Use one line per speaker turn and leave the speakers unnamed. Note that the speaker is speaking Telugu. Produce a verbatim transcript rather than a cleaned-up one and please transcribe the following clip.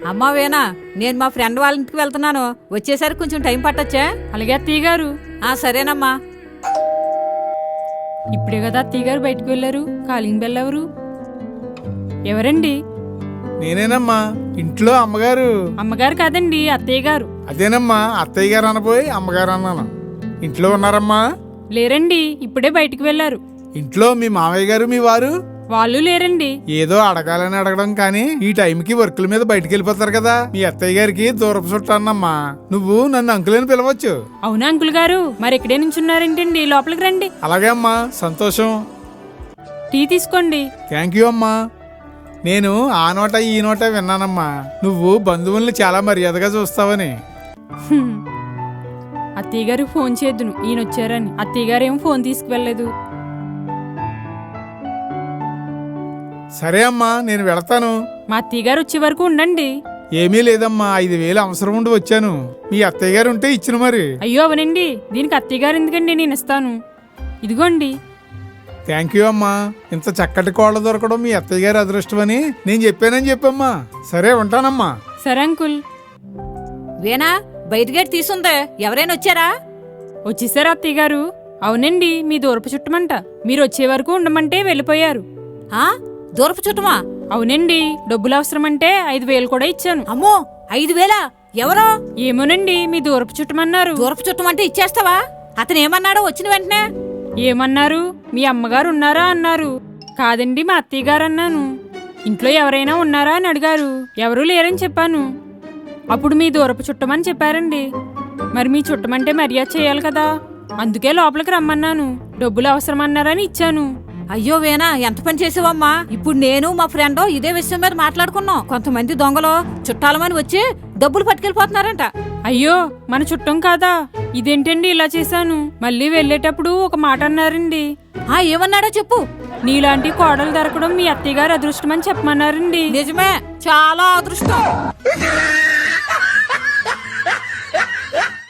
అమ్మా వేనా, నేను మా ఫ్రెండ్ వాళ్ళ ఇంటికి వెళ్తున్నాను. వచ్చేసరికి కొంచెం టైం పట్టొచ్చా?
అలాగే అత్తయ్య గారు.
ఆ సరేనమ్మా.
ఇప్పుడే కదా అత్తయ్య గారు బయటకు వెళ్ళారు. కాలింగ్ బెల్ ఎవరు? ఎవరండి?
నేనేనమ్మా, ఇంట్లో అమ్మగారు.
అమ్మగారు కాదండి, అత్తయ్య గారు.
అదేనమ్మా, అత్తయ్య గారు అనబోయి అమ్మగారు అన్నాను. ఇంట్లో ఉన్నారమ్మా?
లేరండి, ఇప్పుడే బయటకు వెళ్ళారు.
ఇంట్లో మీ మామయ్య గారు మీ వారు?
వాళ్ళు లేరండి.
ఏదో అడగాలని అడగడం కానీ ఈ టైంకి వర్కుల మీద బయటికి వెళ్ళిపోతారు కదా. మీ అత్తయ్య గారికి దూరపు చుట్టానమ్మా. నువ్వు నన్ను అంకులని పిలవచ్చు.
అవునా అంకుల్ గారు? మరి ఎక్కడే నుంచున్నారేంటండి? లోపలికి రండి.
అలాగే అమ్మా, సంతోషం.
టీ తీసుకోండి.
థ్యాంక్ యూ అమ్మా. నేను ఆ నోట ఈ నోట విన్నానమ్మా, నువ్వు బంధువుల్ని చాలా మర్యాదగా చూస్తావని.
హ్మ్. అత్తయ్య గారికి ఫోన్ చేద్దును ఈయన వచ్చారని. అత్తయ్య గారు ఏం ఫోన్ తీసుకువెళ్ళలేదు.
సరే అమ్మా, నేను వెళతాను.
మా అత్తయ్య గారు వచ్చే వరకు ఉండండి.
ఏమీ లేదమ్మా, ఐదు వేలు అవసరం ఉండి వచ్చాను. మీ అత్తయ్య గారు ఉంటే ఇచ్చిన మరి.
అయ్యో అవనండి, దీనికి అత్తయ్య గారు ఎందుకండి, నేను ఇస్తాను. ఇదిగోండి.
థ్యాంక్ యూ అమ్మా. ఇంత చక్కటి కోళ్ళ దొరకడం మీ అత్తయ్య గారి అదృష్టం అని నేను చెప్పానని చెప్పమ్మా. సరే ఉంటానమ్మా.
సరే అంకుల్.
వేనా, బయట గేట్ తీసుందే. ఎవరైనా వచ్చారా?
వచ్చేసారా అత్తయ్య గారు? అవునండి, మీ దూరపు చుట్టమంట. మీరు వచ్చే వరకు ఉండమంటే వెళ్ళిపోయారు.
ఆ దూరపు చుట్టమా?
అవునండి, డబ్బులు అవసరమంటే ఐదు వేలు కూడా ఇచ్చాను.
అమ్మో, ఐదు వేలా? ఎవరో?
ఏమోనండి, మీ దూరపు చుట్టమన్నారు.
దూరపు చుట్టం అంటే ఇచ్చేస్తావా? అతను ఏమన్నాడో వచ్చిన వెంటనే?
ఏమన్నారు? మీ అమ్మగారు ఉన్నారా అన్నారు. కాదండి, మా అత్తయ్య గారు అన్నాను. ఇంట్లో ఎవరైనా ఉన్నారా అని అడిగారు. ఎవరూ లేరని చెప్పాను. అప్పుడు మీ దూరపు చుట్టమని చెప్పారండి. మరి మీ చుట్టమంటే మర్యాద చేయాలి కదా, అందుకే లోపలికి రమ్మన్నాను. డబ్బులు అవసరమన్నారని ఇచ్చాను.
అయ్యో వేనా, ఎంత పని చేసావమ్మా. ఇప్పుడు నేను మా ఫ్రెండ్ ఇదే విషయం మీద మాట్లాడుకున్నాం. కొంతమంది దొంగలు చుట్టాలమని వచ్చి డబ్బులు పట్టుకెళ్ళిపోతున్నారంట.
అయ్యో, మన చుట్టం కాదా? ఇదేంటండి ఇలా చేశాను. మళ్ళీ వెళ్ళేటప్పుడు ఒక మాట అన్నారండి.
ఆ ఏమన్నాడో చెప్పు.
నీలాంటి కోడలు దొరకడం మీ అత్తయ్య గారు అదృష్టమని చెప్పమన్నారండి.
నిజమే, చాలా అదృష్టం.